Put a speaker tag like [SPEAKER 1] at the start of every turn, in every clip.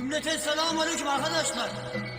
[SPEAKER 1] Cümleten selamun aleyküm arkadaşlar.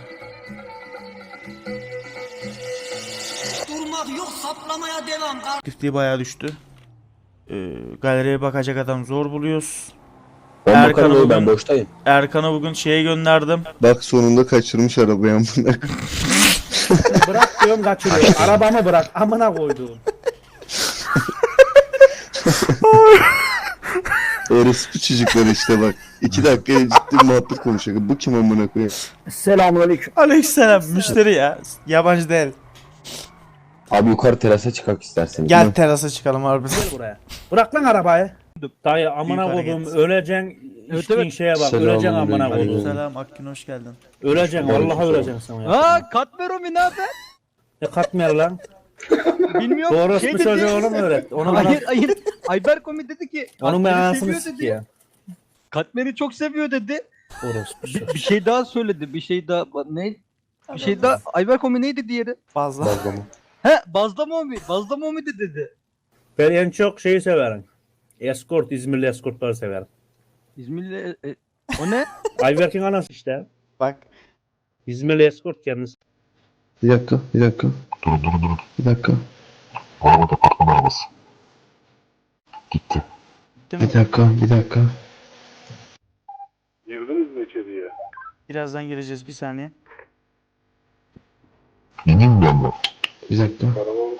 [SPEAKER 1] Durmak yok, saplamaya devam.
[SPEAKER 2] Aktifliği bayağı düştü. Galeriye bakacak adam zor buluyoruz.
[SPEAKER 3] Ben bakarım oğlum, ben boştayım.
[SPEAKER 2] Erkan'a bugün şeye gönderdim.
[SPEAKER 4] Bak sonunda kaçırmış arabayı amına.
[SPEAKER 5] Bırak diyorum kaçırıyor. Arabamı bırak amına koyduğum.
[SPEAKER 4] Orospu çocuklar işte bak. 2 dakika ciddi muhabbet konuşacak. Bu kim amına koyayım?
[SPEAKER 5] Selamünaleyküm.
[SPEAKER 2] Aleykümselam müşteri ya. Yabancı değil.
[SPEAKER 3] Abi yukarı terasa çıkak istersen.
[SPEAKER 2] Gel terasa çıkalım abi.
[SPEAKER 5] Gel buraya. Bırak lan arabayı. Dayı amına
[SPEAKER 2] Büyük
[SPEAKER 5] koyduğum
[SPEAKER 2] hareket.
[SPEAKER 5] öleceksin. İçtiğin şeye bak. Öleceksin amına koyduğum.
[SPEAKER 2] Selam Akgün hoş geldin.
[SPEAKER 5] Öleceksin vallahi öleceksin sen ya.
[SPEAKER 6] Aa Katmeromi ne haber?
[SPEAKER 5] Ne katmer lan?
[SPEAKER 6] Bilmiyorum.
[SPEAKER 5] Doğru
[SPEAKER 6] şey
[SPEAKER 5] bir
[SPEAKER 6] dedi.
[SPEAKER 5] çocuğu onu mu öğret? Onu bana...
[SPEAKER 6] Hayır. Ayber Komi dedi ki
[SPEAKER 5] Onun ben
[SPEAKER 6] Katmer'i
[SPEAKER 5] anasını
[SPEAKER 6] seviyor
[SPEAKER 5] sik
[SPEAKER 6] dedi.
[SPEAKER 5] ya.
[SPEAKER 6] Katmer'i çok seviyor dedi.
[SPEAKER 5] Orospu çocuğu.
[SPEAKER 6] Bir şey daha söyledi. Bir şey daha ne? Bir şey daha Ayber Komi neydi diğeri?
[SPEAKER 2] Fazla.
[SPEAKER 6] He Bazdamomi. Bazdamomi de dedi.
[SPEAKER 5] Ben en çok şeyi severim. Escort, İzmirli escortları severim.
[SPEAKER 6] İzmirli o ne?
[SPEAKER 5] Ayberk'in anası işte.
[SPEAKER 2] Bak.
[SPEAKER 5] İzmirli escort kendisi.
[SPEAKER 4] Bir dakika.
[SPEAKER 7] Dur.
[SPEAKER 4] Bir dakika.
[SPEAKER 7] Bu araba departman arabası. Gitti.
[SPEAKER 4] Bir dakika.
[SPEAKER 7] Girdiniz mi içeriye?
[SPEAKER 2] Birazdan gireceğiz bir saniye.
[SPEAKER 7] İneyim mi benden?
[SPEAKER 4] Bir dakika.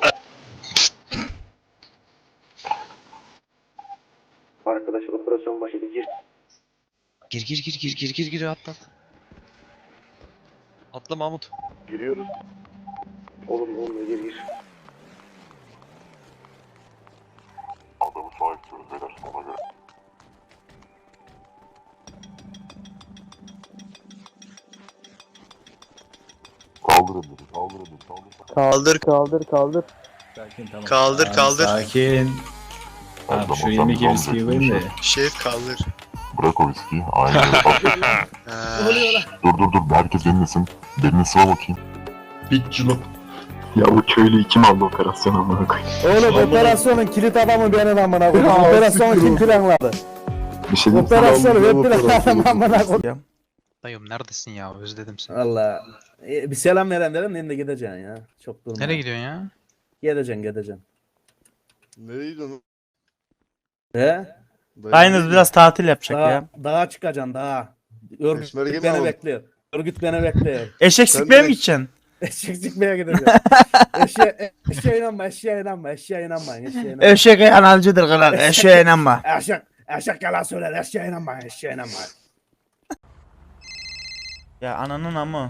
[SPEAKER 8] Arkadaş operasyon başladı gir.
[SPEAKER 9] Gir atla. Atla Mahmut.
[SPEAKER 7] Giriyoruz.
[SPEAKER 8] Oğlum gir.
[SPEAKER 7] Adamı sahip tutuyoruz beyler ona göre. Kaldır elleri.
[SPEAKER 9] Kaldır. Kaldır.
[SPEAKER 10] Sakin. Abi şu 22 viskiyi koyayım da.
[SPEAKER 9] Şef kaldır.
[SPEAKER 7] Bırak o viskiyi. Aynen öyle. Dur. Herkes dinlesin. Derini sıva bakayım. Bitçilo. Ya bu köylü kim aldı operasyon amına koyayım?
[SPEAKER 5] Oğlum operasyonun kilit adamı benim amına koyayım. Operasyonu kim planladı?
[SPEAKER 7] Bir şey diyeyim.
[SPEAKER 5] Operasyonu ben planladım amına koyayım.
[SPEAKER 9] Dayım neredesin ya? Özledim seni.
[SPEAKER 5] Allah. Bir selam veren derim de gideceksin ya. Çok durma.
[SPEAKER 9] Nereye gidiyorsun ya?
[SPEAKER 5] Gideceksin.
[SPEAKER 4] Nereye gidiyorsun?
[SPEAKER 5] He?
[SPEAKER 2] Aynız biraz tatil yapacak ya.
[SPEAKER 5] Dağa çıkacaksın dağa. Örgüt
[SPEAKER 4] Peşmerge mi
[SPEAKER 5] beni
[SPEAKER 4] alalım?
[SPEAKER 5] bekliyor. Örgüt beni bekliyor.
[SPEAKER 2] Eşek
[SPEAKER 4] Sen
[SPEAKER 2] sikmeye mi
[SPEAKER 4] direkt-
[SPEAKER 2] gideceksin?
[SPEAKER 5] Eşek çıkmaya gideceğim. Eşeğe inanma.
[SPEAKER 2] Eşek analcıdır kral. Eşeğe inanma.
[SPEAKER 5] Eşek yalan söyler. Eşeğe inanma.
[SPEAKER 2] Ya ananın amı.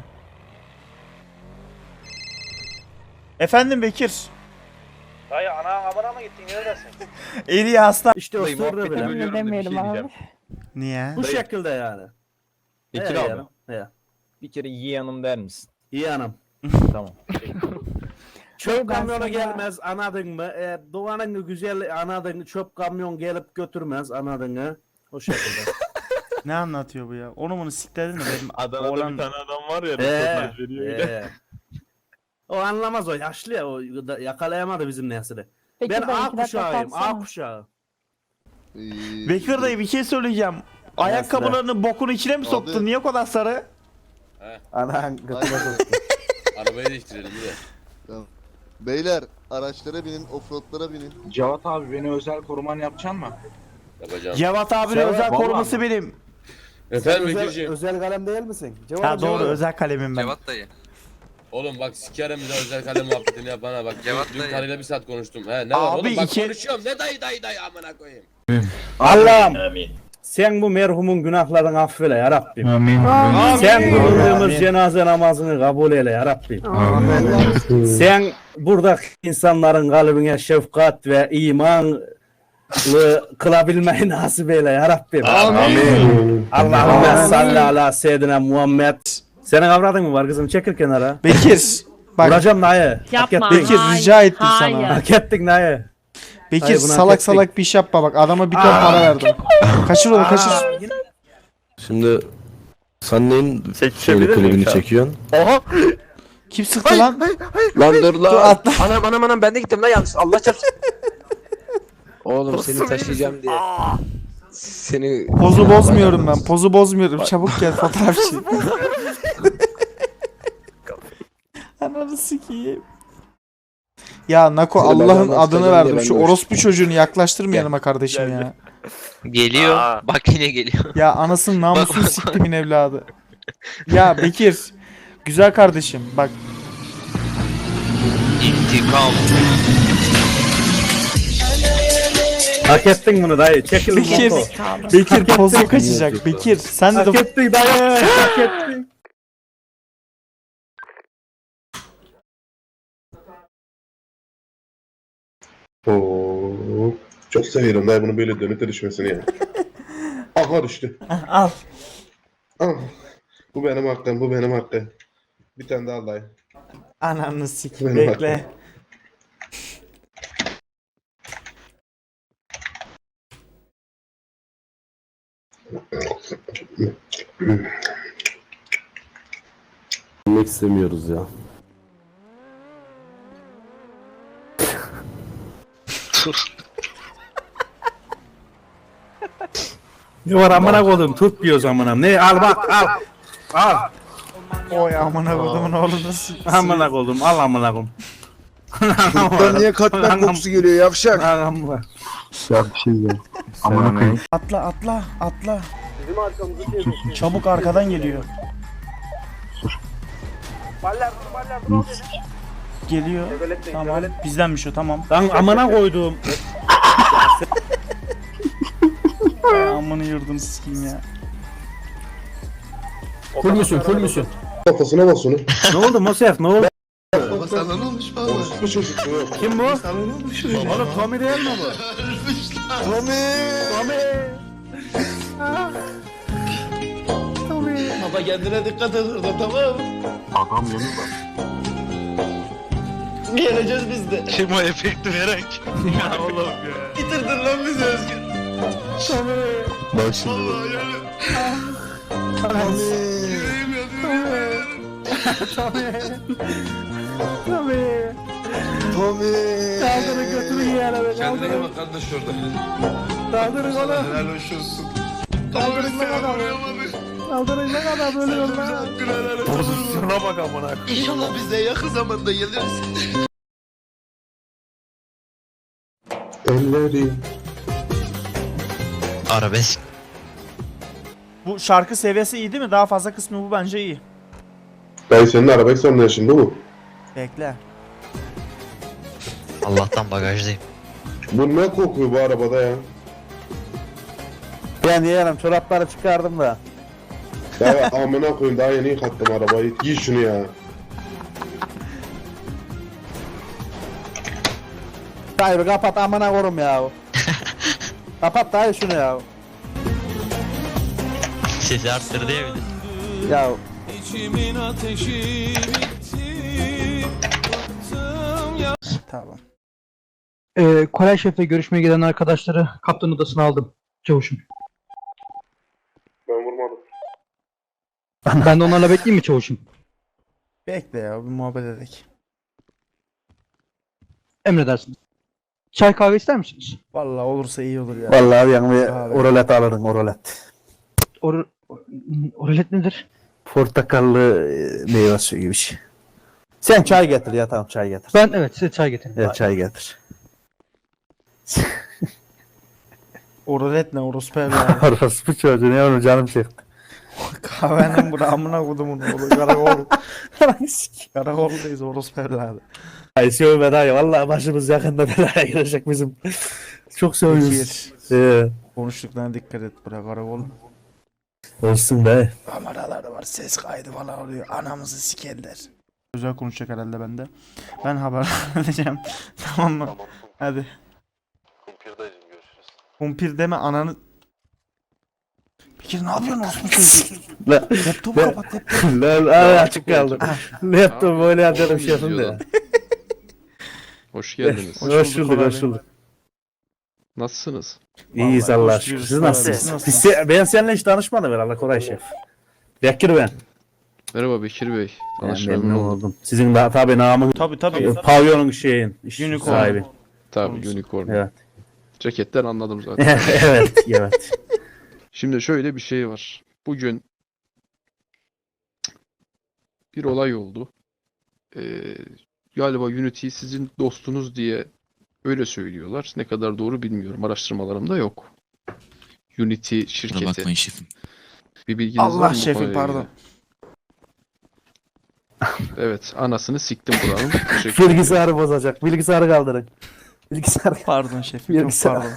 [SPEAKER 2] Efendim Bekir.
[SPEAKER 5] Dayı ana amına mı gittin? Neredesin?
[SPEAKER 2] Eli hasta.
[SPEAKER 5] İşte o sırrı bile.
[SPEAKER 10] Demeyelim abi.
[SPEAKER 2] Niye?
[SPEAKER 5] Bu şekilde yani.
[SPEAKER 10] Bekir
[SPEAKER 5] He
[SPEAKER 10] abi.
[SPEAKER 5] yani, he.
[SPEAKER 10] Bir kere iyi hanım der misin?
[SPEAKER 5] İyi anam.
[SPEAKER 10] Tamam.
[SPEAKER 5] Çöp
[SPEAKER 11] Ben
[SPEAKER 5] kamyonu
[SPEAKER 11] sana-
[SPEAKER 5] gelmez anladın mı? Doğanın güzel anladın. Çöp kamyon gelip götürmez anladın mı? O şekilde.
[SPEAKER 2] Ne anlatıyor bu ya? Onu bunu sikledin de benim
[SPEAKER 10] Adana'da
[SPEAKER 2] oğlan...
[SPEAKER 10] bir tane adam var ya.
[SPEAKER 5] O anlamaz o yaşlı ya o yakalayamadı bizim nesli.
[SPEAKER 11] Peki
[SPEAKER 5] Ben
[SPEAKER 11] ben
[SPEAKER 5] A
[SPEAKER 11] 2 dakika
[SPEAKER 5] kuşağıyım
[SPEAKER 11] kalsana.
[SPEAKER 5] A kuşağı.
[SPEAKER 2] Bekir dayı bir şey söyleyeceğim. Ayakkabılarını bokun içine mi soktun?
[SPEAKER 4] Abi.
[SPEAKER 2] Niye o kadar sarı?
[SPEAKER 5] Anan
[SPEAKER 8] Arabayı değiştirelim bir de.
[SPEAKER 4] Beyler araçlara binin, offroadlara binin.
[SPEAKER 10] Cevat abi beni özel koruman yapacaksın mı?
[SPEAKER 8] Yapacağım.
[SPEAKER 2] Cevat abinin
[SPEAKER 5] Cevat,
[SPEAKER 2] özel
[SPEAKER 10] vallahi
[SPEAKER 2] koruması benim.
[SPEAKER 8] Efendim Bekir'ciğim.
[SPEAKER 5] özel kalem değil misin?
[SPEAKER 2] Ha doğru özel kalemim ben.
[SPEAKER 9] Cevat dayı.
[SPEAKER 8] Oğlum bak sikerim bir de özel kalem muhabbetini yapana bak.
[SPEAKER 9] Cevat
[SPEAKER 8] Dün
[SPEAKER 9] dayı.
[SPEAKER 8] karıyla bir saat konuştum. He ne var
[SPEAKER 2] Abi
[SPEAKER 8] oğlum bak
[SPEAKER 2] iki-
[SPEAKER 8] konuşuyorum. Ne dayı amına koyayım.
[SPEAKER 5] Allah'ım sen bu merhumun günahlarını affeyle ya Rabbim. Sen kıldığımız cenaze namazını kabul eyle ya Rabbim. Sen buradaki insanların kalbine şefkat ve imanlı kılabilmeyi nasip eyle ya Rabbim. Allahümme salli ala seyyidina Muhammed. Senin avradın mı var kızım? Çekil kenara.
[SPEAKER 2] Bekir. Bak
[SPEAKER 5] Vuracağım dayı.
[SPEAKER 11] Yapma.
[SPEAKER 2] Bekir rica ettim sana.
[SPEAKER 5] Hak ettin dayı.
[SPEAKER 2] Bekir
[SPEAKER 5] Hayır, bunu hak
[SPEAKER 2] salak
[SPEAKER 5] ettik.
[SPEAKER 2] salak bir iş yapma bak adama bir ton para verdim. Kaçır onu kaçır.
[SPEAKER 3] Şimdi sen neyin şeyini klibini çekiyorsun?
[SPEAKER 2] Kim sıktı lan?
[SPEAKER 3] Lan dur lan.
[SPEAKER 2] Dur atla.
[SPEAKER 3] Anam ben de gittim lan yanlış. Allah çarpsın. Oğlum seni taşıyacağım diye. Seni
[SPEAKER 11] Pozu bozmuyorum ben. Pozu bozmuyorum. Çabuk gel fotoğrafçı. Ananı sikeyim. Ya Nako
[SPEAKER 3] Seni
[SPEAKER 11] Allah'ın
[SPEAKER 3] benden
[SPEAKER 11] adını
[SPEAKER 3] bahsedeceğim
[SPEAKER 11] verdim.
[SPEAKER 3] diye
[SPEAKER 11] Şu
[SPEAKER 3] ben de
[SPEAKER 11] orospu çocuğunu yaklaştırma yanıma kardeşim ya.
[SPEAKER 9] Geliyor. Bak yine geliyor.
[SPEAKER 11] Ya anasının namusunu siktimin evladı. Ya Bekir. Güzel kardeşim bak.
[SPEAKER 9] İntikam.
[SPEAKER 5] Hak ettin bunu dayı. Çekil
[SPEAKER 11] Bekir.
[SPEAKER 5] moto.
[SPEAKER 11] Bekir pozu kaçacak. Bekir sen de
[SPEAKER 5] Hak ettin dayı. Hak ettin.
[SPEAKER 4] Oo, çok seviyorum dayı bunu böyle dönüte düşmesini ya. Aha düştü.
[SPEAKER 11] al.
[SPEAKER 4] Ah, bu benim hakkım, bu benim hakkım. Bir tane daha dayı.
[SPEAKER 11] Ananı sikeyim.
[SPEAKER 4] Benim
[SPEAKER 11] Bekle.
[SPEAKER 3] Bilmek istemiyoruz ya.
[SPEAKER 5] Ne var amına koydum tut diyoruz amına. Ne al bak al. Al.
[SPEAKER 11] Oy amına kodumun oğlu nasıl?
[SPEAKER 5] Amına koydum al amına koydum.
[SPEAKER 4] Buradan niye katmer kokusu geliyor yavşak?
[SPEAKER 5] Al amına.
[SPEAKER 7] Ya bir şey ya. Amına koyayım.
[SPEAKER 11] Atla atla atla. Çabuk arkadan geliyor. Geliyor. Tamam. Bizdenmiş o tamam.
[SPEAKER 5] Lan amına koydum.
[SPEAKER 11] Ay, amını yurdum sikeyim ya.
[SPEAKER 3] Full müsün?
[SPEAKER 4] Kafasına bas onu.
[SPEAKER 5] Ne oldu Mosef ne oldu?
[SPEAKER 4] Bu çocuk bu yok.
[SPEAKER 5] Kim bu? Oğlum Tommy değil mi bu?
[SPEAKER 1] Baba kendine dikkat et orada tamam mı?
[SPEAKER 7] Adam yanıyor.
[SPEAKER 1] Geleceğiz biz de.
[SPEAKER 9] Kim o efekti veren kim? Ya oğlum ya.
[SPEAKER 1] Bitirdin lan bizi Özgür.
[SPEAKER 4] Bak şimdi bak.
[SPEAKER 5] Kaldırın götürün yere be.
[SPEAKER 8] Kendine iyi bak kardeş orada.
[SPEAKER 5] Kaldırın oğlum.
[SPEAKER 8] Helal hoş olsun.
[SPEAKER 5] Kaldırın lan adamı. Kaldırın lan adamı ölüyor lan.
[SPEAKER 8] Pozisyona bak amına.
[SPEAKER 1] İnşallah biz de yakın zamanda geliriz.
[SPEAKER 4] Elleri.
[SPEAKER 9] Arabesk.
[SPEAKER 11] Bu şarkı seviyesi iyi değil mi? Daha fazla kısmı bu bence iyi.
[SPEAKER 4] Dayı senin arabayı son ne şimdi bu?
[SPEAKER 11] Bekle.
[SPEAKER 9] Allah'tan bagajdayım.
[SPEAKER 4] Bu ne kokuyor bu arabada ya?
[SPEAKER 5] Ben yeğenim çorapları çıkardım da.
[SPEAKER 4] Dayı amına koyayım daha yeni yıkattım arabayı. Giy şunu ya.
[SPEAKER 5] Dayı bir kapat amına korum ya. Kapat dayı şunu ya.
[SPEAKER 9] Sesi arttırdı ya bir de.
[SPEAKER 5] Ya
[SPEAKER 11] Tamam.
[SPEAKER 6] Koray Şef'le görüşmeye giden arkadaşları kaptan odasına aldım. Çavuşum.
[SPEAKER 4] Ben vurmadım.
[SPEAKER 6] Ben de onlarla bekleyeyim mi çavuşum?
[SPEAKER 11] Bekle ya bir muhabbet edelim.
[SPEAKER 6] Emredersiniz. Çay kahve ister misiniz?
[SPEAKER 11] Vallahi olursa iyi olur ya.
[SPEAKER 5] vallahi abi yani bir
[SPEAKER 11] Abi.
[SPEAKER 5] oralet alırım oralet.
[SPEAKER 6] Oralet nedir?
[SPEAKER 5] Portakallı meyve suyu gibi bir şey. Sen çay getir ya tamam çay getir.
[SPEAKER 6] Ben evet size çay getireyim.
[SPEAKER 5] Evet çay getir.
[SPEAKER 11] Oralet ne orospu evladı.
[SPEAKER 5] Orası bu çocuğu ne onu canım çekti.
[SPEAKER 11] Kahvenin bura amına kodumun oğlu. Karakol. Karakoldayız orospu evladı.
[SPEAKER 5] Ay sövme dayı vallahi başımız yakında belaya girecek bizim. Çok seviyoruz.
[SPEAKER 11] Bekir. Konuştuklarına dikkat et bura karakol.
[SPEAKER 5] Olsun be.
[SPEAKER 11] Kameralar var ses kaydı falan oluyor. Anamızı sikerler. Güzel konuşacak herhalde bende. Ben haber edeceğim. Tamam mı? Hadi.
[SPEAKER 7] Kumpirdayım görüşürüz.
[SPEAKER 11] Kumpir deme ananı. Bekir ne yapıyorsun orospu çocuğu?
[SPEAKER 5] La,
[SPEAKER 11] Laptopu kapat laptopu.
[SPEAKER 5] la açık kaldı. Laptop böyle yapıyorum şefim de.
[SPEAKER 10] Hoş geldiniz.
[SPEAKER 5] Hoş bulduk hoş bulduk.
[SPEAKER 10] Nasılsınız?
[SPEAKER 5] İyiyiz
[SPEAKER 11] Vallahi
[SPEAKER 5] Allah
[SPEAKER 11] hoş
[SPEAKER 5] aşkına.
[SPEAKER 11] diyoruz.
[SPEAKER 5] Siz nasılsınız?
[SPEAKER 11] Siz nasılsınız?
[SPEAKER 5] Ben seninle hiç tanışmadım herhalde Koray Şef. Bekir ben.
[SPEAKER 10] Merhaba Bekir Bey.
[SPEAKER 5] Ben
[SPEAKER 10] Tanışma
[SPEAKER 5] memnun
[SPEAKER 10] memnun oldum.
[SPEAKER 5] oldum. Sizin de tabi namı
[SPEAKER 11] Tabii tabii.
[SPEAKER 5] pavyonun şeyin
[SPEAKER 11] Unicorn.
[SPEAKER 5] sahibi.
[SPEAKER 10] Tabii Unicorn.
[SPEAKER 5] Evet.
[SPEAKER 12] Ceketten anladım zaten.
[SPEAKER 5] Evet, evet.
[SPEAKER 12] Şimdi şöyle bir şey var. Bugün bir olay oldu. Galiba Unity sizin dostunuz diye öyle söylüyorlar. Ne kadar doğru bilmiyorum. Araştırmalarımda yok. Unity şirketi.
[SPEAKER 9] şefim.
[SPEAKER 12] Bir bilginiz var
[SPEAKER 11] Allah
[SPEAKER 12] mı bu
[SPEAKER 11] şefim
[SPEAKER 12] konuyla
[SPEAKER 11] pardon.
[SPEAKER 12] ilgili? Evet, anasını siktim buranın. Teşekkür ederim.
[SPEAKER 5] Bilgisayarı bozacak. Bilgisayarı kaldırın. Bilgisayar.
[SPEAKER 11] Pardon şefim çok
[SPEAKER 5] Bilgisayar.
[SPEAKER 11] pardon.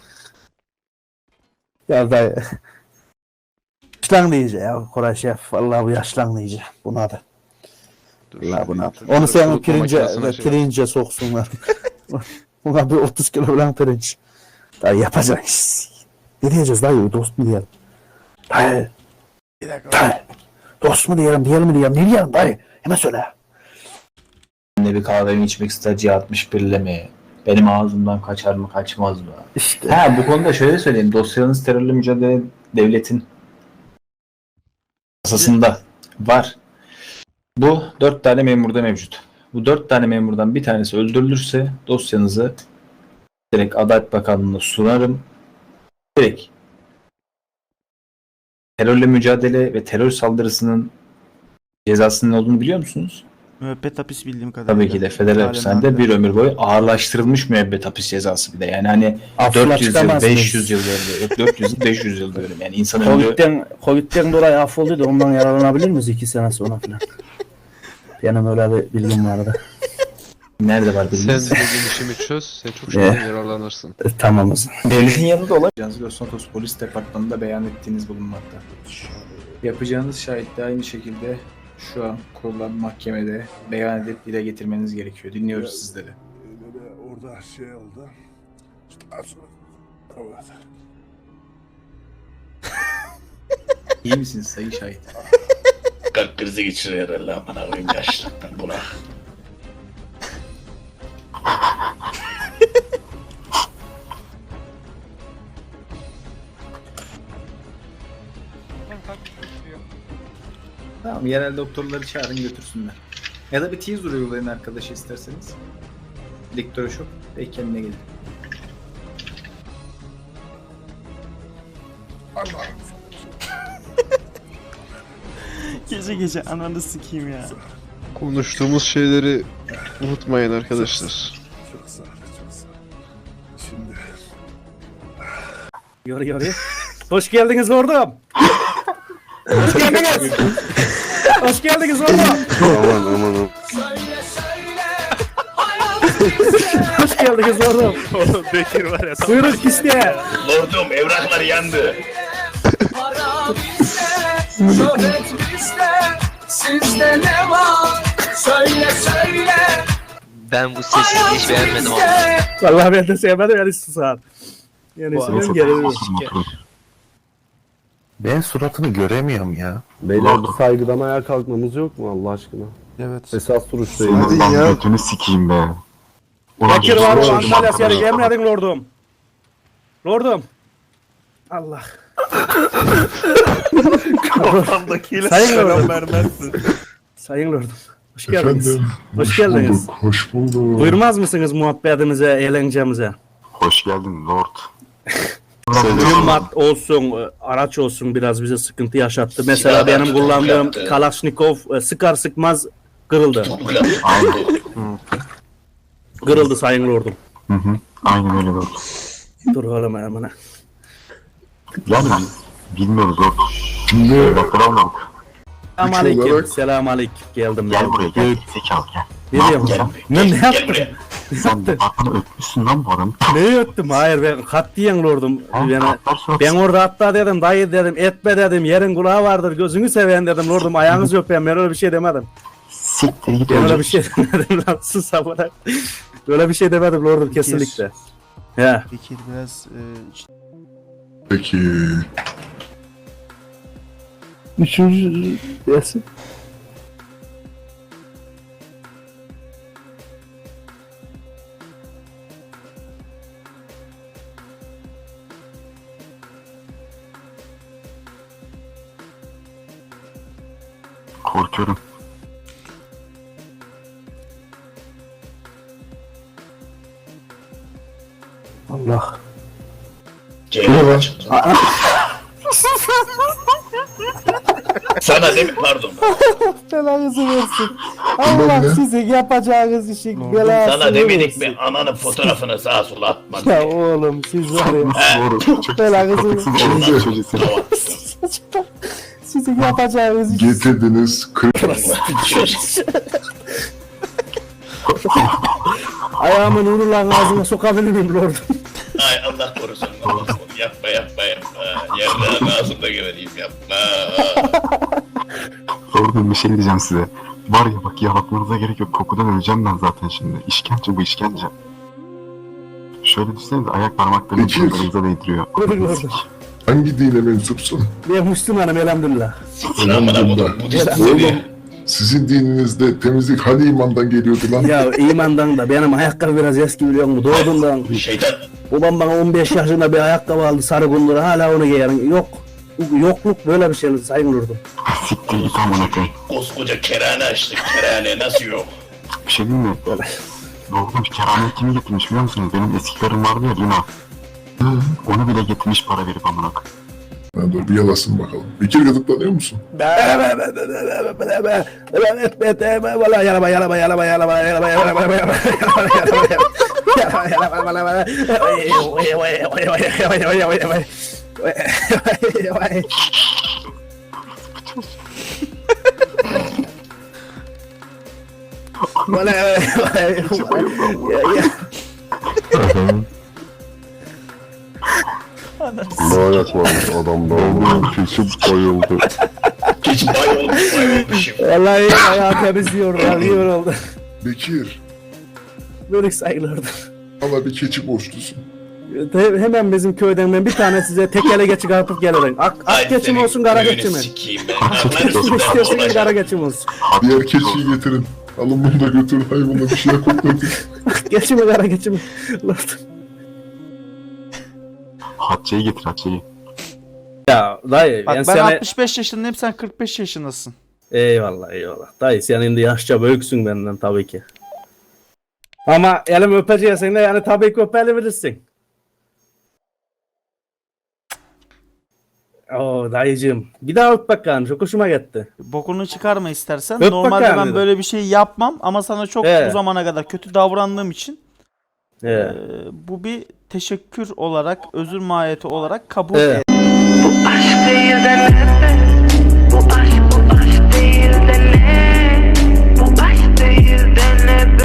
[SPEAKER 5] Ya dayı. Yaşlanmayıcı ya Koray Şef. Vallahi bu yaşlanmayıcı. Buna da.
[SPEAKER 12] Dur,
[SPEAKER 5] Vallahi buna da.
[SPEAKER 12] şöyle
[SPEAKER 5] Onu sen
[SPEAKER 12] kurutma makinesine şey yap.
[SPEAKER 5] pirince soksunlar. Buna bir 30 kilo falan pirinç. Dayı yapacağız. Ne diyeceğiz dayı? Dost mu diyelim? Dayı.
[SPEAKER 11] Bir dakika.
[SPEAKER 5] Dayı. Dost mu diyelim? Diyelim mi diyelim? Ne diyelim dayı? Hemen söyle.
[SPEAKER 10] Ne bir kahvemi içmek ister C61'le mi? Benim ağzımdan kaçar mı kaçmaz mı?
[SPEAKER 5] İşte.
[SPEAKER 10] Ha bu konuda şöyle söyleyeyim. Dosyanız terörle mücadele devletin kasasında var. Bu 4 tane memurda mevcut. Bu 4 tane memurdan bir tanesi öldürülürse dosyanızı direkt Adalet Bakanlığı'na sunarım. Direkt terörle mücadele ve terör saldırısının cezasının ne olduğunu biliyor musunuz?
[SPEAKER 11] Müebbet hapis bildiğim kadarıyla.
[SPEAKER 10] Tabii ki de federal
[SPEAKER 11] Halen
[SPEAKER 10] hapishanede
[SPEAKER 11] halde.
[SPEAKER 10] bir ömür boyu ağırlaştırılmış müebbet hapis cezası bir de. Yani hani
[SPEAKER 5] Affına
[SPEAKER 10] 400 yıl,
[SPEAKER 5] çıkamaz
[SPEAKER 10] 500
[SPEAKER 5] mıyız?
[SPEAKER 10] yıl diyorum. Yok 400 yıl, 500 yıl diyorum. Yani insan ömrü
[SPEAKER 5] Covid'den dolayı affoldu da ondan yararlanabilir miyiz 2 sene sonra falan? Benim öyle bir bilgim vardı.
[SPEAKER 10] nerede var
[SPEAKER 12] Sen
[SPEAKER 10] bilmiyorum.
[SPEAKER 12] dediğin işimi çöz, sen çok şeyden yararlanırsın.
[SPEAKER 5] Tamamız.
[SPEAKER 10] Devletin yanında olacağınız Los Santos Polis Departmanı'nda beyan ettiğiniz bulunmakta. Yapacağınız şahitle aynı şekilde şu an kurulan mahkemede beyan edip dile getirmeniz gerekiyor. Dinliyoruz sizleri.
[SPEAKER 4] Orada şey oldu.
[SPEAKER 10] İyi misiniz sayın şahit?
[SPEAKER 9] Kalp krizi geçiriyor herhalde amına koyayım yaşlıktan buna.
[SPEAKER 10] Tamam, yerel doktorları çağırın götürsünler. Ya da bir teaser uygulayın arkadaşı isterseniz. Elektroşok ve kendine gelin.
[SPEAKER 11] Gece gece ananı sikeyim ya.
[SPEAKER 12] Konuştuğumuz şeyleri unutmayın arkadaşlar.
[SPEAKER 4] Çok sağ ol, çok sağ ol. Şimdi
[SPEAKER 5] Yoru. Hoş geldiniz ordum. Hoş geldiniz. Hoş geldiniz ordum.
[SPEAKER 4] aman.
[SPEAKER 5] Hoş geldiniz ordum.
[SPEAKER 9] Oğlum Bekir var ya.
[SPEAKER 5] Buyurun iste.
[SPEAKER 9] Lordum evraklar yandı. Ben bu sesi hiç beğenmedim ama.
[SPEAKER 5] Vallahi ben de sevmedim yani susar. Yani ismim geliyor.
[SPEAKER 3] Ben suratını göremiyorum ya.
[SPEAKER 4] Beyler saygıdan ayağa kalkmamız yok mu Allah aşkına?
[SPEAKER 11] Evet.
[SPEAKER 4] Esas duruştayız.
[SPEAKER 7] Hadi ya. Götünü sikeyim be.
[SPEAKER 5] Bekir var o Antalya seni emredin lordum. Lordum. Allah.
[SPEAKER 2] Kafamdakiyle
[SPEAKER 5] Sayın
[SPEAKER 2] selam
[SPEAKER 5] Lordum.
[SPEAKER 2] vermezsin.
[SPEAKER 5] Sayın lordum. Hoş geldiniz. Hoş geldiniz.
[SPEAKER 4] Hoş bulduk.
[SPEAKER 5] Buyurmaz mısınız muhabbetimize, eğlencemize?
[SPEAKER 7] Hoş geldin Lord.
[SPEAKER 5] Mühimmat olsun, araç olsun biraz bize sıkıntı yaşattı. Mesela
[SPEAKER 9] Silahlar
[SPEAKER 5] benim
[SPEAKER 9] tutuklu
[SPEAKER 5] kullandığım
[SPEAKER 9] yaptı.
[SPEAKER 5] Kalashnikov sıkar sıkmaz kırıldı.
[SPEAKER 7] Aynen.
[SPEAKER 5] Kırıldı sayın lordum.
[SPEAKER 7] Aynen öyle Lord.
[SPEAKER 5] Dur oğlum hemen.
[SPEAKER 7] Yani bilmiyoruz Lord. Şimdi evrakları almadık.
[SPEAKER 5] Selam aleyküm. Selam aleyküm. Geldim.
[SPEAKER 7] Gel buraya gel. Zekalı gel.
[SPEAKER 5] Ne diyorum? Ne yaptım?
[SPEAKER 7] Sen de bakanı öpmüşsün lan bu adamı.
[SPEAKER 5] Ne öttüm? Hayır ben katliyen lordum. Yani
[SPEAKER 7] Katlar sonra
[SPEAKER 5] ben orada hatta dedim dayı dedim etme dedim yerin kulağı vardır gözünü seven dedim lordum ayağınızı öpeyim ben öyle bir şey demedim.
[SPEAKER 7] siktir git
[SPEAKER 5] Ben öyle
[SPEAKER 7] önce.
[SPEAKER 5] bir şey demedim lan sus amına. Öyle bir şey demedim lordum kesinlikle. Ya.
[SPEAKER 11] Bekir biraz
[SPEAKER 4] Peki.
[SPEAKER 5] Üçüncü dersin.
[SPEAKER 7] Korkuyorum.
[SPEAKER 5] Allah.
[SPEAKER 9] Ceylan çıktı. Sana değil mi? Pardon.
[SPEAKER 11] Belanızı versin. Allah sizin yapacağınız işin belasını
[SPEAKER 9] Sana demedik
[SPEAKER 11] versin.
[SPEAKER 9] mi? Ananın fotoğrafını sağa sola atma diye.
[SPEAKER 11] Ya oğlum siz var ya.
[SPEAKER 7] Doğru. Çok
[SPEAKER 11] Belanızı
[SPEAKER 7] Şimdi çocuğu.
[SPEAKER 11] sizin yapacağınız işin.
[SPEAKER 4] Getirdiniz.
[SPEAKER 5] Ayağımın uğurlan ağzına sokabilir miyim lordum?
[SPEAKER 9] Ay Allah korusun. Yapma. Yerden ağzımda gebereyim yapma.
[SPEAKER 7] Orada bir şey diyeceğim size. Var ya bak yalatmanıza gerek yok. Kokudan öleceğim ben zaten şimdi. İşkence bu işkence. Şöyle düşünsenize ayak parmaklarını
[SPEAKER 4] Peki.
[SPEAKER 7] burnlarınıza değdiriyor.
[SPEAKER 5] Buyurun lordum.
[SPEAKER 4] Hangi dine mensupsun?
[SPEAKER 5] Ben Müslümanım elhamdülillah.
[SPEAKER 9] Amına kodum Budist
[SPEAKER 4] Oğlum
[SPEAKER 9] seni.
[SPEAKER 4] sizin dininizde temizlik hani imandan geliyordu lan?
[SPEAKER 5] Ya imandan da benim ayakkabı biraz eski biliyor musun? Doğduğumdan
[SPEAKER 9] Şeytan.
[SPEAKER 5] babam bana 15 yaşında bir ayakkabı aldı sarı gundura hala onu giyerim. Yokluk böyle bir şey sayın lordum.
[SPEAKER 7] Siktir git amına koyayım.
[SPEAKER 9] Koskoca kerane açtık. Kerane nasıl yok?
[SPEAKER 7] Bir şey diyeyim mi? Doğru bir kerane kimi getirmiş biliyor musunuz? Benim eski karım vardı ya Lina. Onu bile getirmiş para verip amına koyayım.
[SPEAKER 4] Ha, dur bir yalasın bakalım. Bekir gıdıklanıyor musun?
[SPEAKER 7] Lanet var adamda. Oğlum kesin bayıldı.
[SPEAKER 9] Hiç bayılmışım.
[SPEAKER 5] Vallahi ayağı temizliyor ya iyi oldu.
[SPEAKER 4] Bekir,
[SPEAKER 5] Böyle sayılırdı.
[SPEAKER 4] valla bir keçi borçlusun.
[SPEAKER 5] Hemen bizim köyden ben bir tane size tekele geçi kapıp gelirim. Ak geçim olsun kara geçim mi?
[SPEAKER 9] Sikiyim ben.
[SPEAKER 5] İstiyorsun kara geçim olsun.
[SPEAKER 4] Diğer keçiyi getirin. Alın bunu da götürün hayvana bir şey koklatın.
[SPEAKER 5] Geçim mi kara geçim mi? Lordum.
[SPEAKER 7] Hatice'yi getir Hatice'yi.
[SPEAKER 5] Ya dayı
[SPEAKER 11] Bak ben
[SPEAKER 5] seni...
[SPEAKER 11] 65 yaşındayım, sen 45 yaşındasın.
[SPEAKER 5] Eyvallah. Dayı sen şimdi yaşça büyüksün benden tabii ki. Ama elim öpeceksin de yani tabii ki öpebilirsin. Oo dayıcığım. Bir daha öp bakalım. Çok hoşuma gitti.
[SPEAKER 11] Bokunu çıkarma istersen.
[SPEAKER 5] Öp
[SPEAKER 11] Normalde
[SPEAKER 5] bakalım
[SPEAKER 11] ben
[SPEAKER 5] dedim.
[SPEAKER 11] böyle bir şey yapmam ama sana çok
[SPEAKER 5] He.
[SPEAKER 11] bu zamana kadar kötü davrandığım için
[SPEAKER 5] He.
[SPEAKER 11] bu bir teşekkür olarak, özür mahiyeti olarak kabul
[SPEAKER 5] He.
[SPEAKER 11] et.
[SPEAKER 13] Bu aşk değil de nefret. Bu aşk